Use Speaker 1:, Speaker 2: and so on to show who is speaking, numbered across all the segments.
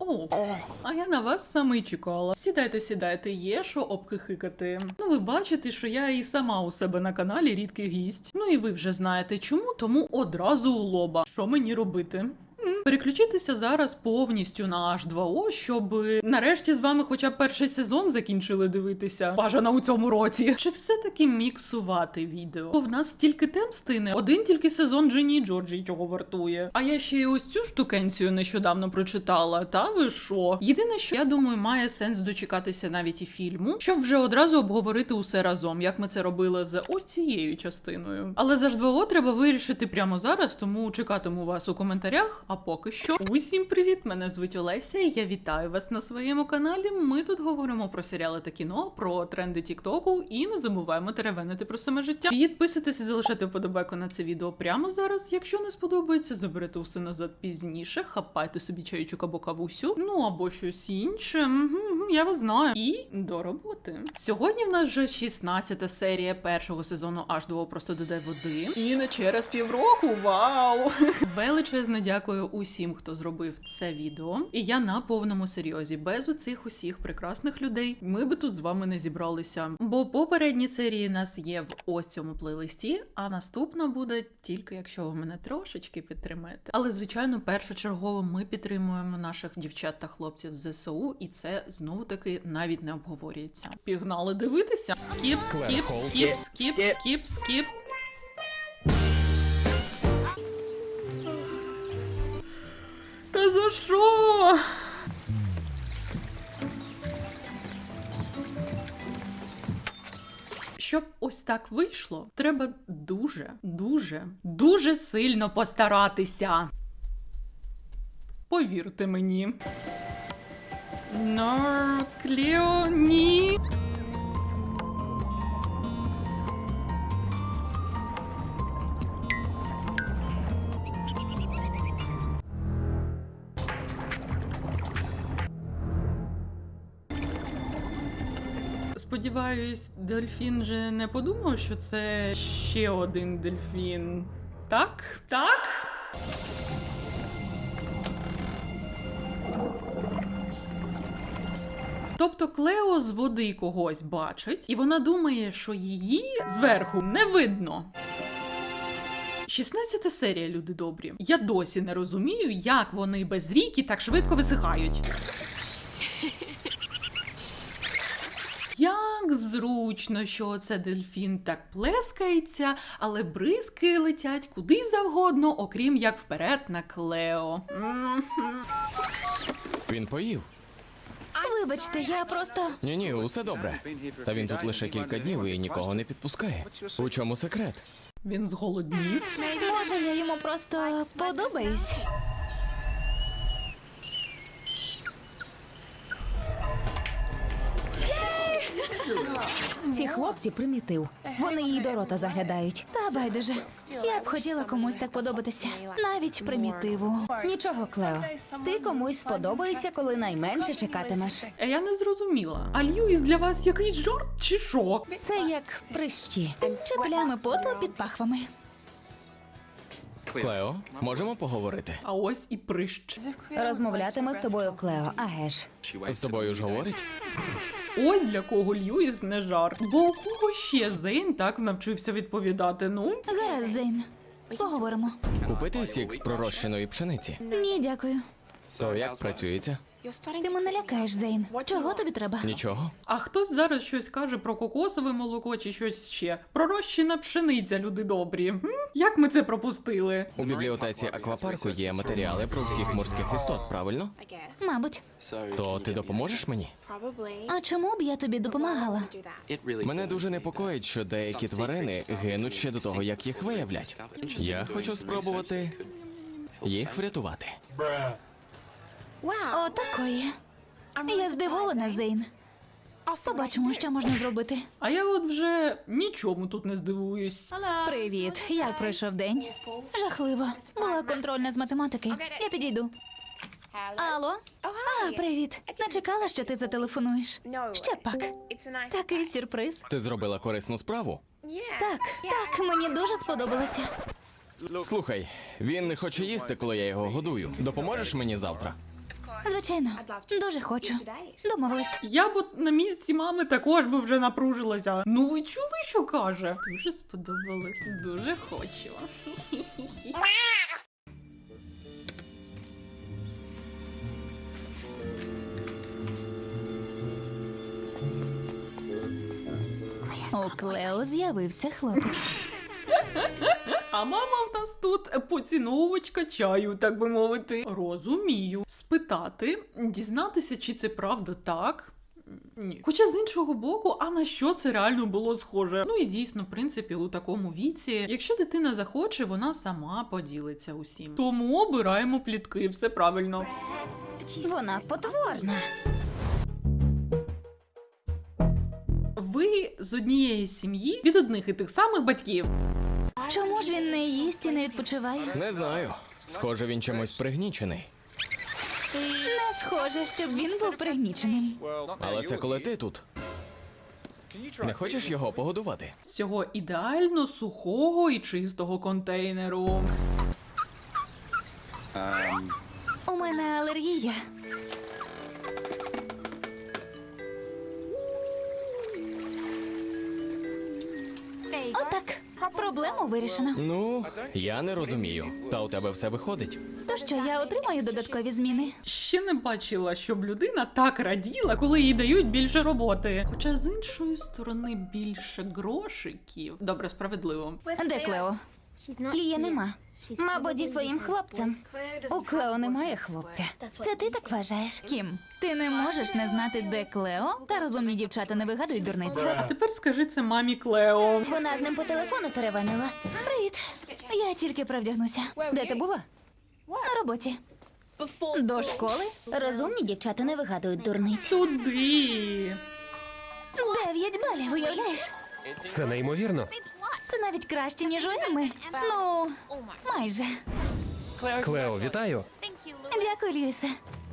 Speaker 1: О, а я на вас саме й чекала. Сідайте, є що обкихикати. Ну ви бачите, що я і сама у себе на каналі рідкий гість. Ну і ви вже знаєте чому, тому одразу у лоба. Що мені робити? Переключитися зараз повністю на H2O, щоб нарешті з вами хоча б перший сезон закінчили дивитися, бажано у цьому році. Чи все-таки міксувати відео? Бо в нас стільки тем стине, один тільки сезон Джині і Джорджі чого вартує. А я ще й ось цю штукенцію нещодавно прочитала, та ви що? Єдине, що я думаю, має сенс дочекатися навіть і фільму, щоб вже одразу обговорити усе разом, як ми це робили з ось цією частиною. Але за H2O треба вирішити прямо зараз, тому чекатиму вас у коментарях. А поки що, усім привіт! Мене звуть Олеся, і я вітаю вас на своєму каналі. Ми тут говоримо про серіали та кіно, про тренди Тіктоку і не забуваємо теревенити про саме життя. Підписуйтесь і залишайте вподобайку на це відео прямо зараз. Якщо не сподобається, заберете усе назад пізніше, хапайте собі чайчик або кавусю, ну або щось інше. Я вас знаю. І до роботи. Сьогодні в нас вже 16-та серія першого сезону H2O «Просто додай води». І не через півроку, вау! Величезне дякую усім, хто зробив це відео. І я на повному серйозі. Без оцих усіх прекрасних людей ми би тут з вами не зібралися. Бо попередні серії нас є в ось цьому плейлисті, а наступна буде тільки якщо ви мене трошечки підтримаєте. Але, звичайно, першочергово ми підтримуємо наших дівчат та хлопців з ЗСУ, і це знову-таки навіть не обговорюється. Пігнали дивитися. Скіп. Та за що? Щоб ось так вийшло, треба дуже сильно постаратися. Повірте мені. Клео, ні. Сподіваюсь, дельфін же не подумав, що це ще один дельфін. Так? Так? Тобто Клео з води когось бачить, і вона думає, що її зверху не видно. 16-та серія, люди добрі. Я досі не розумію, як вони без ріки так швидко висихають. Як зручно, що це дельфін так плескається, але бризки летять куди завгодно, окрім як вперед на Клео.
Speaker 2: Він поїв.
Speaker 3: Вибачте, я просто...
Speaker 2: Ні, усе добре. Та він тут лише кілька днів і нікого не підпускає. У чому секрет?
Speaker 1: Він зголоднів.
Speaker 3: Може, я йому просто подобаюсь? Ці хлопці примітив. Вони її до рота заглядають. Та байдуже. Я б хотіла комусь так подобатися. Навіть примітиву. Нічого, Клео. Ти комусь сподобаєшся, коли найменше чекатимеш.
Speaker 1: Я не зрозуміла. А Льюіс для вас якийсь жарт чи що?
Speaker 3: Це як прищі. Чи плями поту під пахвами.
Speaker 2: Клео, можемо поговорити?
Speaker 1: А ось і прищ.
Speaker 3: Розмовлятиме з тобою, Клео, агеш.
Speaker 2: З тобою ж говорить?
Speaker 1: Ось для кого Льюіс не жарт. Бо у кого ще Зейн так навчився відповідати, ну?
Speaker 3: Гаразд, Зейн. Поговоримо.
Speaker 2: Купити сік з пророщеної пшениці?
Speaker 3: Ні, дякую.
Speaker 2: То як працюється?
Speaker 3: Ти мене лякаєш, Зейн. Чого тобі треба?
Speaker 2: Нічого.
Speaker 1: А хтось зараз щось каже про кокосове молоко чи щось ще. Пророщена пшениця, люди добрі. Як ми це пропустили?
Speaker 2: У бібліотеці аквапарку є матеріали про всіх морських істот, правильно?
Speaker 3: Мабуть.
Speaker 2: То ти допоможеш мені?
Speaker 3: А чому б я тобі допомагала?
Speaker 2: Мене дуже непокоїть, що деякі тварини гинуть ще до того, як їх виявлять. Я хочу спробувати їх врятувати.
Speaker 3: О, такої. Я здивована, Зейн. Побачимо, що можна зробити.
Speaker 1: А я от вже нічому тут не здивуюсь.
Speaker 3: Привіт. Як пройшов день? Жахливо. Була контрольна з математики. Я підійду. Алло? А, привіт. Не чекала, що ти зателефонуєш. Ще пак. Такий сюрприз.
Speaker 2: Ти зробила корисну справу?
Speaker 3: Так, мені дуже сподобалося.
Speaker 2: Слухай, він не хоче їсти, коли я його годую. Допоможеш мені завтра?
Speaker 3: Звичайно, дуже хочу. Домовились.
Speaker 1: Я б от на місці мами також би вже напружилася. Ну ви чули, що каже? Дуже сподобалось, дуже хочу.
Speaker 3: У Клео з'явився хлопець.
Speaker 1: А мама в нас тут поціновувачка чаю, так би мовити. Розумію. Спитати, дізнатися, чи це правда так. Ні. Хоча з іншого боку, а на що це реально було схоже? Ну і дійсно, в принципі, у такому віці, якщо дитина захоче, вона сама поділиться усім. Тому обираємо плітки, все правильно.
Speaker 3: Вона потворна.
Speaker 1: Ви з однієї сім'ї від одних і тих самих батьків.
Speaker 3: Чому ж він не їсть і не відпочиває?
Speaker 2: Не знаю. Схоже, він чимось пригнічений.
Speaker 3: Не схоже, щоб він був пригніченим.
Speaker 2: Але це коли ти тут. Не хочеш його погодувати?
Speaker 1: З цього ідеально сухого і чистого контейнеру.
Speaker 3: У мене алергія. Отак. Проблему вирішено.
Speaker 2: Ну, я не розумію. Та у тебе все виходить.
Speaker 3: То що, я отримаю додаткові зміни?
Speaker 1: Ще не бачила, щоб людина так раділа, коли їй дають більше роботи. Хоча з іншої сторони більше грошиків. Добре, справедливо.
Speaker 3: Де Клео? Її нема. Мабуть, зі своїм хлопцем. У Клео немає хлопця. Це ти так вважаєш? Кім, ти не можеш не знати, де Клео? Та розумні дівчата не вигадують дурниці.
Speaker 1: А тепер скажи це мамі Клео.
Speaker 3: Вона з ним по телефону теревенила. Привіт. Я тільки привдягнуся. Де ти була? На роботі. До школи? Розумні дівчата не вигадують дурниць.
Speaker 1: Туди.
Speaker 3: 9 балів, уявляєш?
Speaker 4: Це неймовірно.
Speaker 3: Це навіть краще, ніж у Емми. Ну, майже.
Speaker 4: Клео, вітаю.
Speaker 3: Дякую, Льюісе.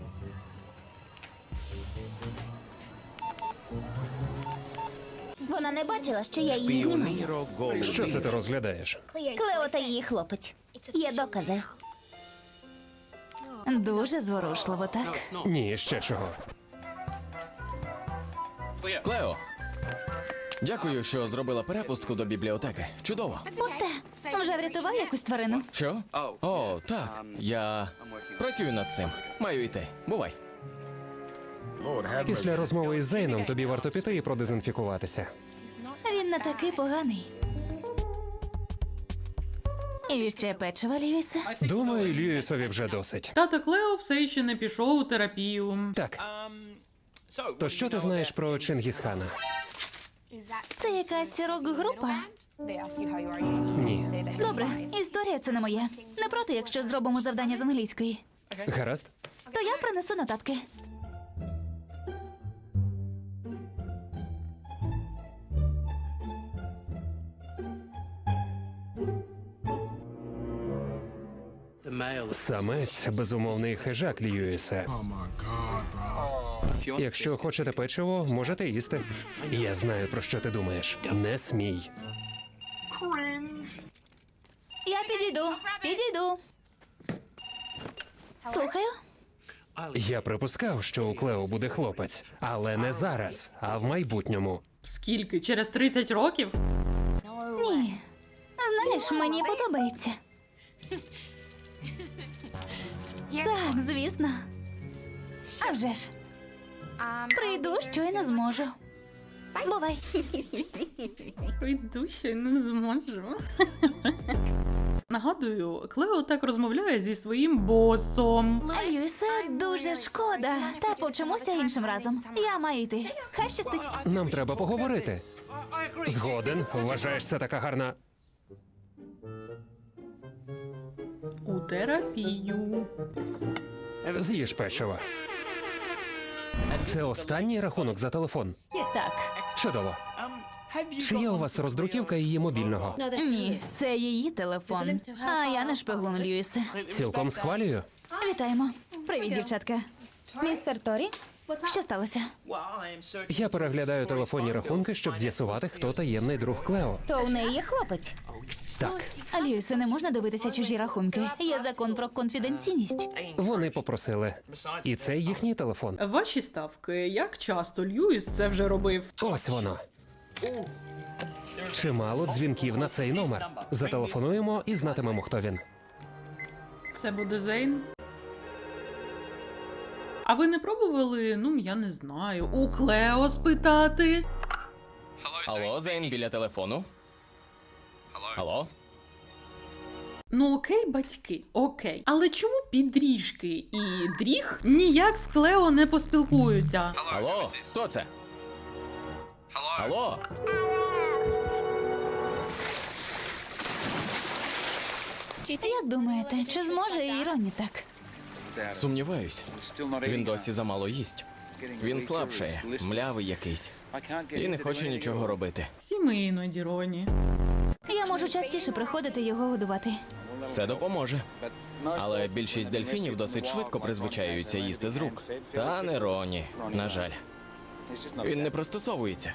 Speaker 3: Вона не бачила, що я її знімаю.
Speaker 4: Що це ти розглядаєш?
Speaker 3: Клео та її хлопець. Є докази. Дуже зворушливо, так?
Speaker 4: Ні, ще чого.
Speaker 2: Клео, дякую, що зробила перепустку до бібліотеки. Чудово.
Speaker 3: Пусте. Вже врятував якусь тварину?
Speaker 2: Що? О, так. Я працюю над цим. Маю йти. Бувай.
Speaker 4: Після розмови із Зейном тобі варто піти і продезінфікуватися.
Speaker 3: Він не такий поганий. І ще печиво, Льюісе.
Speaker 4: Думаю, Льюісові вже досить.
Speaker 1: Тато Клео все ще не пішов у терапію.
Speaker 4: Так, то що ти знаєш про Чингісхана?
Speaker 3: Це якась рок-група?
Speaker 4: Ні.
Speaker 3: Добре, історія це не моє. Не проти, якщо зробимо завдання з англійської.
Speaker 4: Гаразд?
Speaker 3: То я принесу нотатки.
Speaker 4: Самець безумовний хижак, Льюісе. Якщо хочете печиво, можете їсти. Я знаю, про що ти думаєш. Не смій.
Speaker 3: Я підійду. Слухаю.
Speaker 4: Я припускав, що у Клео буде хлопець, але не зараз, а в майбутньому.
Speaker 1: Скільки? Через 30 років?
Speaker 3: Ні. Знаєш, мені подобається. Так, звісно. А вже ж. Прийду, щойно зможу. Бувай.
Speaker 1: Прийду, ще й не зможу. Нагадую, Клео так розмовляє зі своїм босом.
Speaker 3: Льюісе, дуже шкода. Та почомуся іншим разом. Я маю йти. Хай щастить.
Speaker 4: Нам треба поговорити. Згоден. Вважаєш, це така гарна.
Speaker 1: У терапію.
Speaker 4: З'їж печиво. Це останній рахунок за телефон.
Speaker 3: Так.
Speaker 4: Чудово. Чи є у вас роздруківка її мобільного?
Speaker 3: Ні, це її телефон. А я не шпигун, Льюісе.
Speaker 4: Цілком схвалюю.
Speaker 3: Вітаємо. Привіт, дівчатка. Містер Торі? Що сталося?
Speaker 4: Я переглядаю телефонні рахунки, щоб з'ясувати, хто таємний друг Клео.
Speaker 3: То в неї є хлопець.
Speaker 4: Так,
Speaker 3: Льюісе, не можна дивитися чужі рахунки. Є закон про конфіденційність.
Speaker 4: вони попросили. І це їхній телефон.
Speaker 1: Ваші ставки, як часто Льюіс це вже робив?
Speaker 4: Ось воно. Чимало дзвінків на цей номер. Зателефонуємо і знатимемо, хто він.
Speaker 1: Це буде Зейн? А ви не пробували, ну я не знаю, у Клео спитати?
Speaker 2: Алло, Зейн, біля телефону. Алло?
Speaker 1: Ну окей, батьки, окей. Але чому підріжки і дріг ніяк з Клео не поспілкуються?
Speaker 2: Алло? Хто це? Алло?
Speaker 3: Як думаєте, чи зможе і Ронні так?
Speaker 2: Сумніваюсь. Він досі замало їсть. Він слабшає, млявий якийсь. І не хоче нічого робити.
Speaker 1: Сіми іноді, Роні.
Speaker 3: Я можу частіше приходити його годувати.
Speaker 2: Це допоможе. Але більшість дельфінів досить швидко призвичаюються їсти з рук. Та не Роні, на жаль. Він не пристосовується.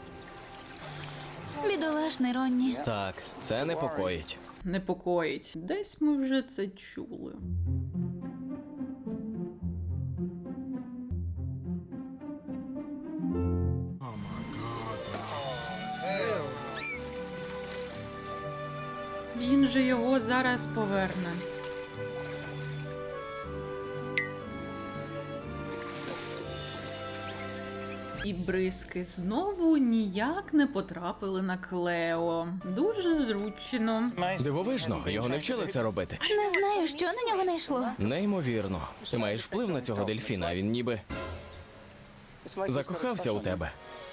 Speaker 3: Бідолашний Ронні.
Speaker 2: Так, це непокоїть.
Speaker 1: Непокоїть. Десь ми вже це чули. Він же його зараз поверне. І бризки знову ніяк не потрапили на Клео. Дуже зручно.
Speaker 2: Дивовижно, його не вчили це робити.
Speaker 3: Не знаю, що на нього найшло.
Speaker 2: Неймовірно. Ти маєш вплив на цього дельфіна, а він ніби закохався у тебе.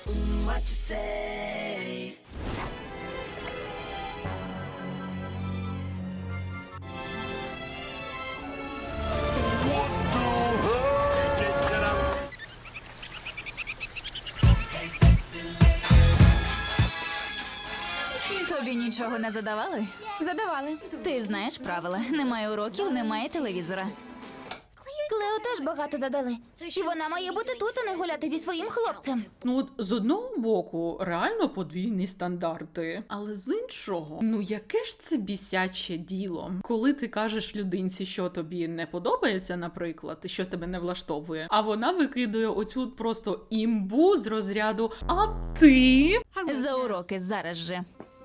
Speaker 3: Тобі нічого не задавали? Задавали. Ти знаєш правила. Немає уроків, немає телевізора.
Speaker 5: Клео теж багато задали. І вона має бути тут, а не гуляти зі своїм хлопцем.
Speaker 1: Ну от з одного боку реально подвійні стандарти, але з іншого, ну яке ж це бісяче діло, коли ти кажеш людинці, що тобі не подобається, наприклад, і що тебе не влаштовує, а вона викидує оцю от просто імбу з розряду «А ти?»
Speaker 3: За уроки зараз же.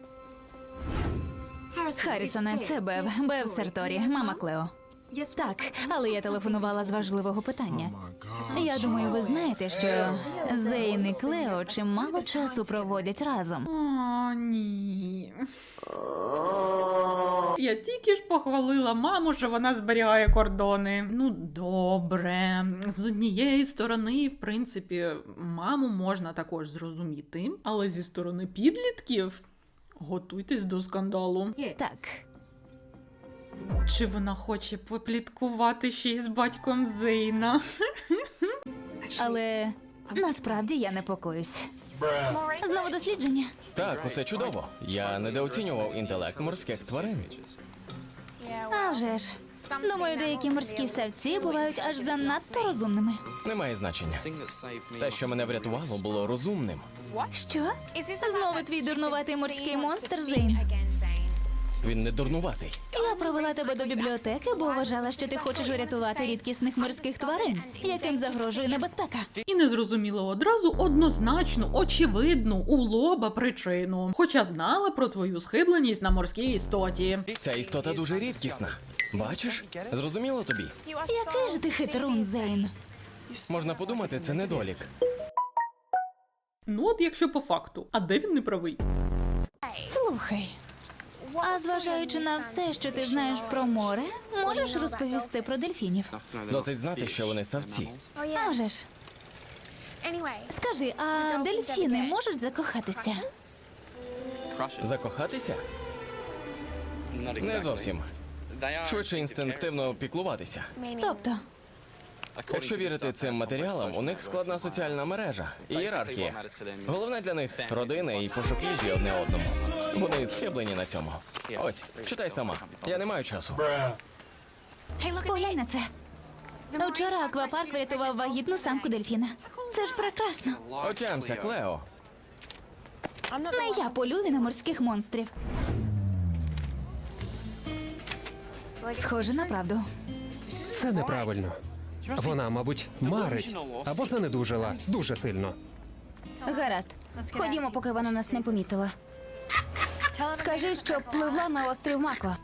Speaker 3: Харрісоне, це Бев. Бев Серторі, мама Клео. Так, але я телефонувала з важливого питання. Я думаю, ви знаєте, що Зейн і Клео чимало часу проводять разом.
Speaker 1: О, ні. Я тільки ж похвалила маму, що вона зберігає кордони. Ну, добре. З однієї сторони, в принципі, маму можна також зрозуміти, але зі сторони підлітків готуйтесь до скандалу.
Speaker 3: Так,
Speaker 1: Чи вона хоче попліткувати ще й з батьком Зейна?
Speaker 3: але насправді я непокоюсь. Знову дослідження?
Speaker 2: Так, усе чудово. Я недооцінював інтелект морських тварин.
Speaker 3: А вже ж. Думаю, деякі морські савці бувають аж занадто розумними.
Speaker 2: Немає значення. Те, що мене врятувало, було розумним.
Speaker 3: Що? Знову твій дурнуватий морський монстр, Зейн?
Speaker 2: Він не дурнуватий.
Speaker 3: Я провела тебе до бібліотеки, бо вважала, що ти хочеш врятувати рідкісних морських тварин, яким загрожує небезпека.
Speaker 1: І не зрозуміла одразу однозначну, очевидну, у лоба причину. Хоча знала про твою схибленість на морській істоті.
Speaker 2: Ця істота дуже рідкісна. Бачиш? Зрозуміло тобі?
Speaker 3: Який ж ти хитрун, Зейн?
Speaker 2: Можна подумати, це недолік.
Speaker 1: Ну от якщо по факту. А де він не правий?
Speaker 3: Слухай. А зважаючи на все, що ти знаєш про море, можеш розповісти про дельфінів?
Speaker 2: Досить знати, що вони савці.
Speaker 3: А вже ж. Скажи, а дельфіни можуть закохатися?
Speaker 2: Закохатися? Не зовсім. Швидше інстинктивно піклуватися.
Speaker 3: Тобто,
Speaker 2: Якщо вірити цим матеріалам, у них складна соціальна мережа, ієрархія. Головне для них родина і пошук їжі одне одному. Вони схиблені на цьому. Ось, читай сама. Я не маю часу.
Speaker 3: поглянь на це. Вчора аквапарк врятував вагітну самку дельфіна. Це ж прекрасно.
Speaker 2: Отямся, Клео.
Speaker 3: Не я полюю на морських монстрів. Схоже на правду.
Speaker 4: Це неправильно. Вона, мабуть, марить або занедужила дуже сильно.
Speaker 5: Гаразд. Ходімо, поки вона нас не помітила. Скажи, що пливла на острів Мако.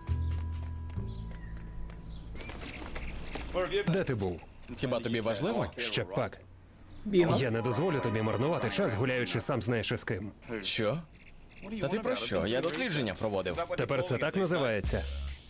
Speaker 4: Де ти був?
Speaker 2: Хіба тобі важливо?
Speaker 4: Ще б пак.
Speaker 1: Бігав.
Speaker 4: Я не дозволю тобі марнувати час, гуляючи сам знаєш із ким.
Speaker 2: Що? Та ти про що? Я дослідження проводив.
Speaker 4: Тепер це так називається.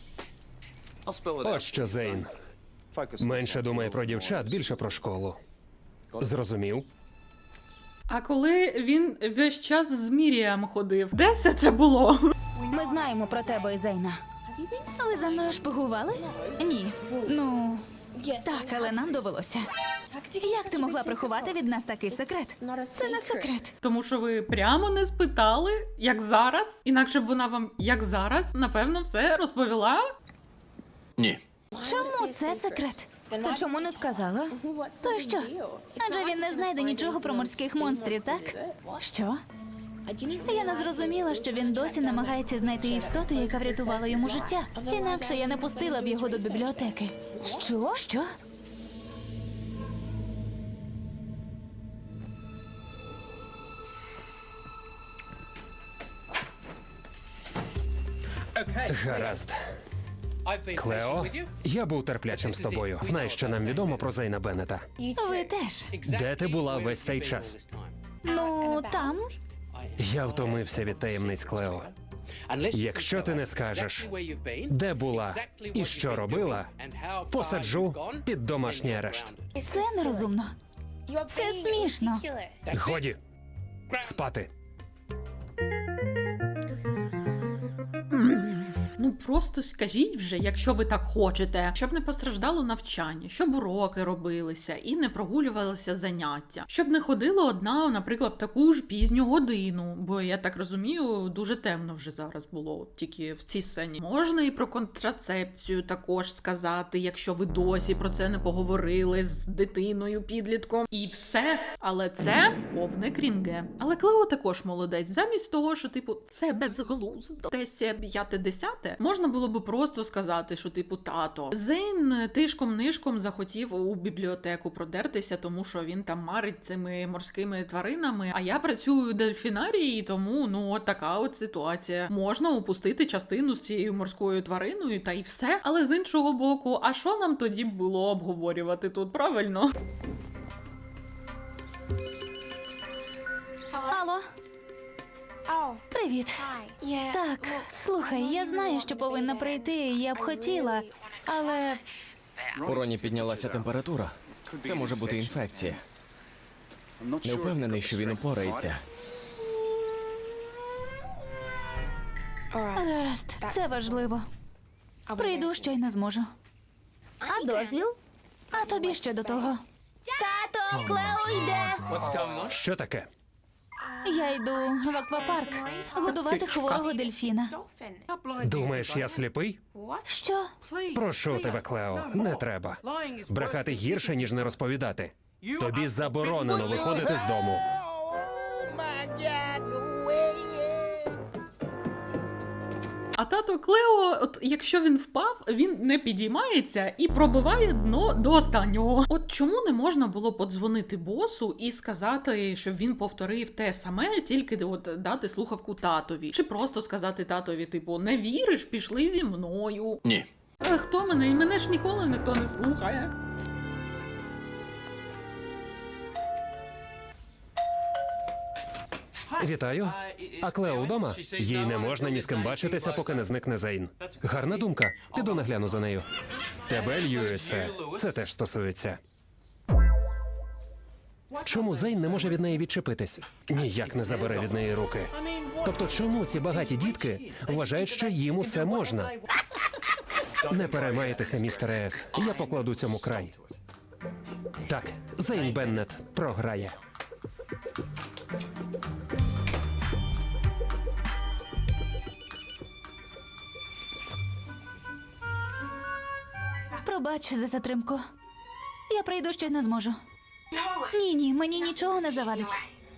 Speaker 4: От що, Зейн. Менше думай про дівчат, більше про школу. Зрозумів?
Speaker 1: А коли він весь час з Міріам ходив, де все це було?
Speaker 5: Ми знаємо про тебе і Зейна.
Speaker 3: Ви за мною шпигували? Ні. Ну, так, але нам довелося. Як ти могла приховати від нас такий секрет? Це не секрет.
Speaker 1: Тому що ви прямо не спитали, як зараз. Інакше б вона вам, як зараз, напевно, все розповіла.
Speaker 2: Ні.
Speaker 3: Чому це секрет?
Speaker 5: То чому не сказала?
Speaker 3: То й що? Адже він не знайде нічого про морських монстрів, так? Що? Я не зрозуміла, що він досі намагається знайти істоту, яка врятувала йому життя. Інакше я не пустила б його до бібліотеки. Що? Що?
Speaker 4: Гаразд. Клео, я був терплячим з тобою. Знаєш, що нам відомо про Зейна Беннета?
Speaker 3: Ви теж.
Speaker 4: Де ти була весь цей час?
Speaker 3: Ну, там.
Speaker 4: Я втомився від таємниць, Клео. Якщо ти не скажеш, де була і що робила, посаджу під домашній арешт.
Speaker 3: Це нерозумно. Це смішно.
Speaker 4: Годі. Спати.
Speaker 1: Ну просто скажіть вже, якщо ви так хочете, щоб не постраждало навчання, щоб уроки робилися і не прогулювалися заняття, щоб не ходила одна, наприклад, в таку ж пізню годину, бо я так розумію, дуже темно вже зараз було, от тільки в цій сцені. Можна і про контрацепцію також сказати, якщо ви досі про це не поговорили з дитиною, підлітком, і все. Але це повне крінге. Але Клео також молодець. Замість того, що типу це безглуздо, десь 5-10, можна було би просто сказати, що типу тато. Зейн тишком-нишком захотів у бібліотеку продертися, тому що він там марить цими морськими тваринами, а я працюю у дельфінарії, тому ну от така от ситуація. Можна упустити частину з цією морською твариною та й все. Але з іншого боку, а що нам тоді було обговорювати тут, правильно?
Speaker 3: Алло, привіт. Так, слухай, я знаю, що повинна прийти, я б хотіла, але
Speaker 2: У Роні піднялася температура. Це може бути інфекція. Не впевнений, що він упорається.
Speaker 3: гаразд, це важливо. Прийду, щойно зможу.
Speaker 5: А дозвіл?
Speaker 3: А тобі що до того?
Speaker 5: Тато, Клео йде.
Speaker 4: Що таке?
Speaker 3: Я йду в аквапарк годувати
Speaker 1: Цичка.
Speaker 3: хворого дельфіна.
Speaker 4: Думаєш, я сліпий?
Speaker 3: Що?
Speaker 4: Прошу тебе, Клео, не треба. Брехати гірше, ніж не розповідати. Тобі заборонено виходити з дому.
Speaker 1: А тато Клео, от якщо він впав, він не підіймається і пробиває дно до останнього. От чому не можна було подзвонити босу і сказати, щоб він повторив те саме, тільки от дати слухавку татові? Чи просто сказати татові, типу, не віриш, пішли зі мною?
Speaker 2: Ні.
Speaker 1: Хто мене? І мене ж ніколи ніхто не слухає.
Speaker 4: Вітаю. А Клео вдома? Їй не можна ні з ким бачитися, поки не зникне Зейн. Гарна думка. Піду нагляну за нею. Тебе, Льюісе, це теж стосується. Чому Зейн не може від неї відчепитись? Ніяк не забере від неї руки. Тобто чому ці багаті дітки вважають, що їм усе можна? Не переймайтеся, містере Ес. Я покладу цьому край. Так, Зейн Беннет програє.
Speaker 3: Пробач за затримку. Я прийду, щойно зможу. Ні, мені нічого не завадить.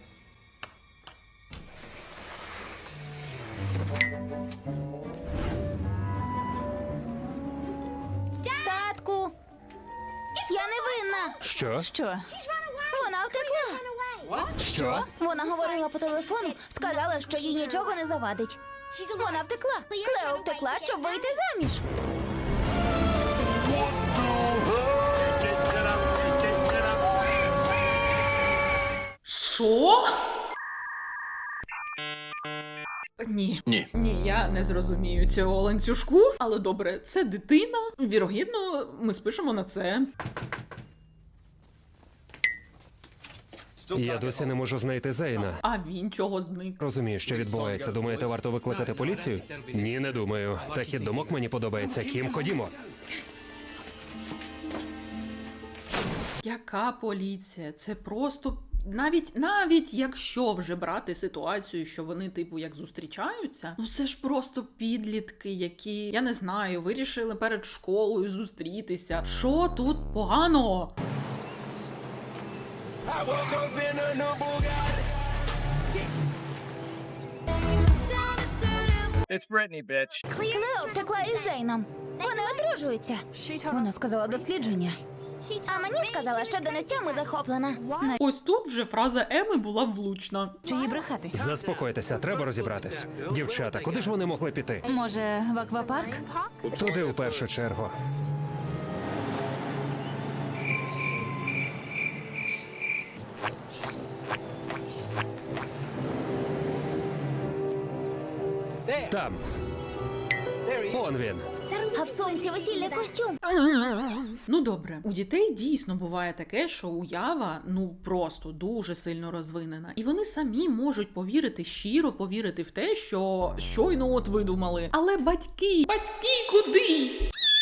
Speaker 5: Татку! Я не винна!
Speaker 4: Що?
Speaker 3: Що?
Speaker 5: Вона втекла!
Speaker 4: Що?
Speaker 5: Вона говорила по телефону, сказала, що їй нічого не завадить. Вона втекла. Клео втекла, щоб вийти заміж.
Speaker 1: Що? Ні, я не зрозумію цього ланцюжку. Але добре, це дитина. Вірогідно, ми спишемо на це.
Speaker 4: Я досі не можу знайти Зейна.
Speaker 1: А він чого зник?
Speaker 4: Розумію, що відбувається. Думаєте, варто викликати поліцію? Ні, не думаю. Та хід думок мені подобається. Кім, ходімо.
Speaker 1: Яка поліція? Це просто. Навіть якщо вже брати ситуацію, що вони, типу, як зустрічаються, ну це ж просто підлітки, які, я не знаю, вирішили перед школою зустрітися. Що тут поганого?
Speaker 6: It's Britney, bitch.
Speaker 5: Клео втекла із Зейном. Вони одружуються.
Speaker 3: Вона сказала дослідження.
Speaker 5: А мені сказала, що Денестями захоплена.
Speaker 1: Ось тут вже фраза Еми була влучна.
Speaker 3: Чи їй брехати?
Speaker 4: Заспокойтеся, треба розібратись. Дівчата, куди ж вони могли піти?
Speaker 3: Може, в аквапарк?
Speaker 4: Туди у першу чергу. Там. Он він.
Speaker 5: А в сонці весільний костюм.
Speaker 1: Ну добре, у дітей дійсно буває таке, що уява ну просто дуже сильно розвинена, і вони самі можуть повірити, щиро повірити в те, що щойно от видумали. Але батьки куди?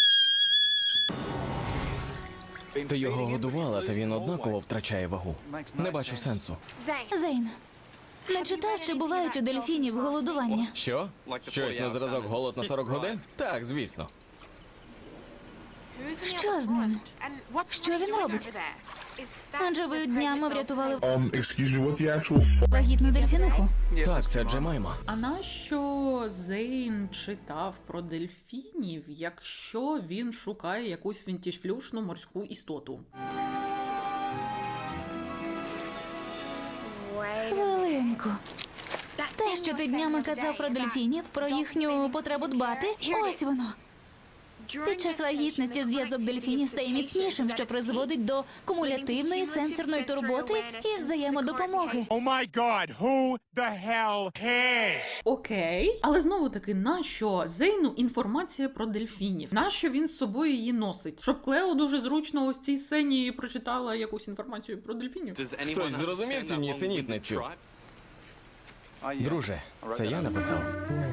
Speaker 2: Ти його годувала, та він однаково втрачає вагу. Не бачу сенсу.
Speaker 3: Зейн, не читав, чи бувають у дельфінів голодування?
Speaker 2: Що? Щось на зразок голод на 40 годин? Так, звісно.
Speaker 3: Що з ним? Що він робить? Адже ви днями врятували
Speaker 7: Excuse me, what the actual
Speaker 3: вагітну дельфіниху.
Speaker 2: Так, це Джемайма.
Speaker 1: А нащо Зейн читав про дельфінів, якщо він шукає якусь фінтіфлюшну морську істоту?
Speaker 3: Хвилинку. Те, що ти днями казав про дельфінів, про їхню потребу дбати, ось воно. Під час вагітності зв'язок дельфінів стає міцнішим, що призводить до кумулятивної сенсорної турботи і взаємодопомоги.
Speaker 6: Oh my god, who the hell cares?
Speaker 1: Окей, але знову таки, нащо Зейну інформація про дельфінів? Нащо він з собою її носить? Щоб Клео дуже зручно ось цій сцені прочитала якусь інформацію про дельфінів?
Speaker 2: Хтось зрозумів цю нісенітницю? Друже, це я написав.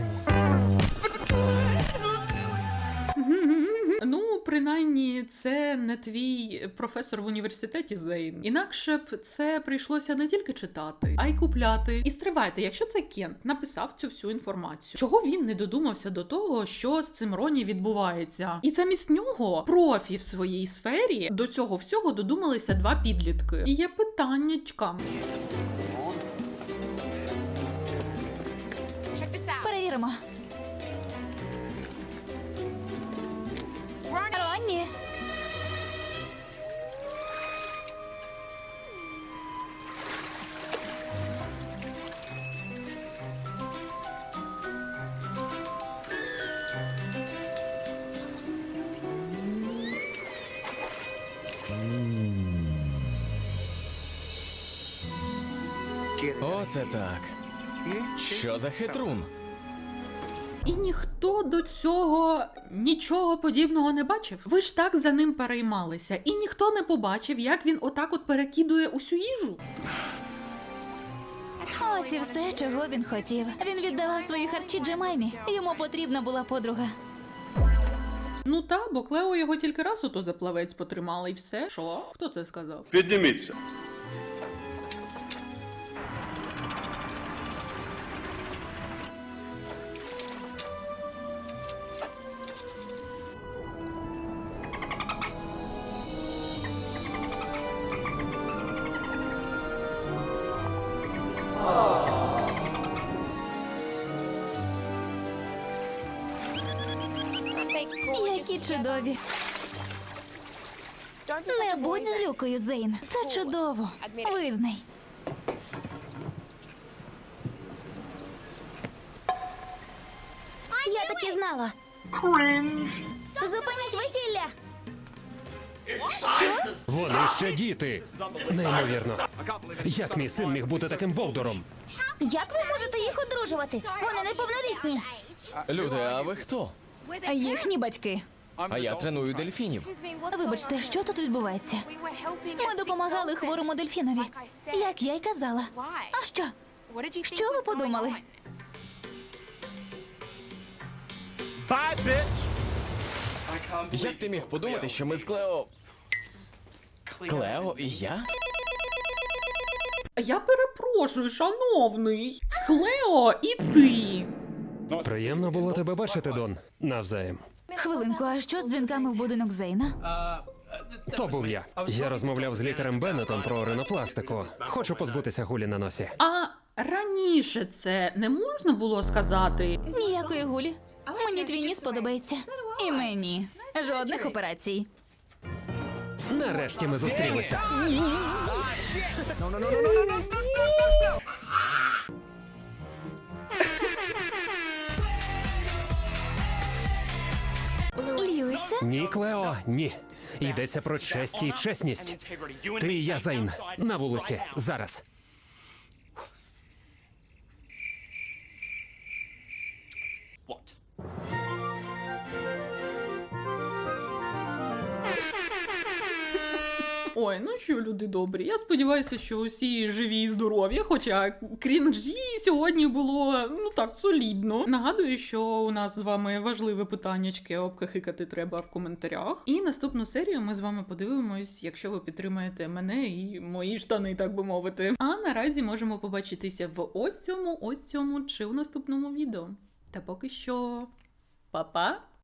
Speaker 1: Ну, принаймні, це не твій професор в університеті, Зейн. Інакше б це прийшлося не тільки читати, а й купляти. І стривайте, якщо це Кент написав цю всю інформацію, чого він не додумався до того, що з цим Роні відбувається? І замість нього, профі в своїй сфері, до цього всього додумалися два підлітки. І є питаннячка.
Speaker 3: Перевіримо. Ронні.
Speaker 2: Оце так. Що за хитрун?
Speaker 1: І ніхто до цього нічого подібного не бачив. Ви ж так за ним переймалися. І ніхто не побачив, як він отак от перекидує усю їжу.
Speaker 3: Ось і все, чого він хотів. Він віддавав свої харчі Джемаймі. Йому потрібна була подруга.
Speaker 1: Ну та, бо Клео його тільки раз ото за плавець потримала і все. Що? Хто це сказав?
Speaker 8: Підніміться.
Speaker 3: Які чудові. Не будь злюкою, Зейн. Це чудово. Визнай.
Speaker 5: Я так і знала. Зупиніть весілля!
Speaker 4: Вони ще діти. Неймовірно. Як мій син міг бути таким бовдуром?
Speaker 5: Як ви можете їх одружувати? Вони неповнолітні.
Speaker 2: Люди, а ви хто?
Speaker 3: Їхні батьки.
Speaker 2: А я треную дельфінів.
Speaker 3: Вибачте, що тут відбувається? Ми допомагали хворому дельфінові. Як я й казала. А що? Що ви подумали?
Speaker 6: Bye, bitch.
Speaker 2: Як ти міг подумати, що ми з Клео... Клео і я?
Speaker 1: Я перепрошую, шановний. Клео і ти.
Speaker 4: Приємно було тебе бачити, Дон. Навзаєм.
Speaker 3: Хвилинку, а що з дзвінками в будинок Зейна?
Speaker 4: То був я. Я розмовляв з лікарем Беннетом про ринопластику. Хочу позбутися гулі на носі.
Speaker 1: А раніше це не можна було сказати?
Speaker 3: Ніякої гулі. Мені твій ніс подобається. І мені. Жодних операцій.
Speaker 4: Нарешті ми зустрілися.
Speaker 3: Льюісе?
Speaker 4: Ні, Клео, ні. Йдеться про честь і чесність. Ти і я, Зейн, на вулиці, зараз.
Speaker 1: Ой, ну що, люди добрі. Я сподіваюся, що усі живі і здорові, хоча крінжі сьогодні було, ну так, солідно. Нагадую, що у нас з вами важливе питаннячки, обкахикати треба в коментарях. І наступну серію ми з вами подивимось, якщо ви підтримаєте мене і мої штани, так би мовити. А наразі можемо побачитися в ось цьому чи у наступному відео. Та поки що, па-па!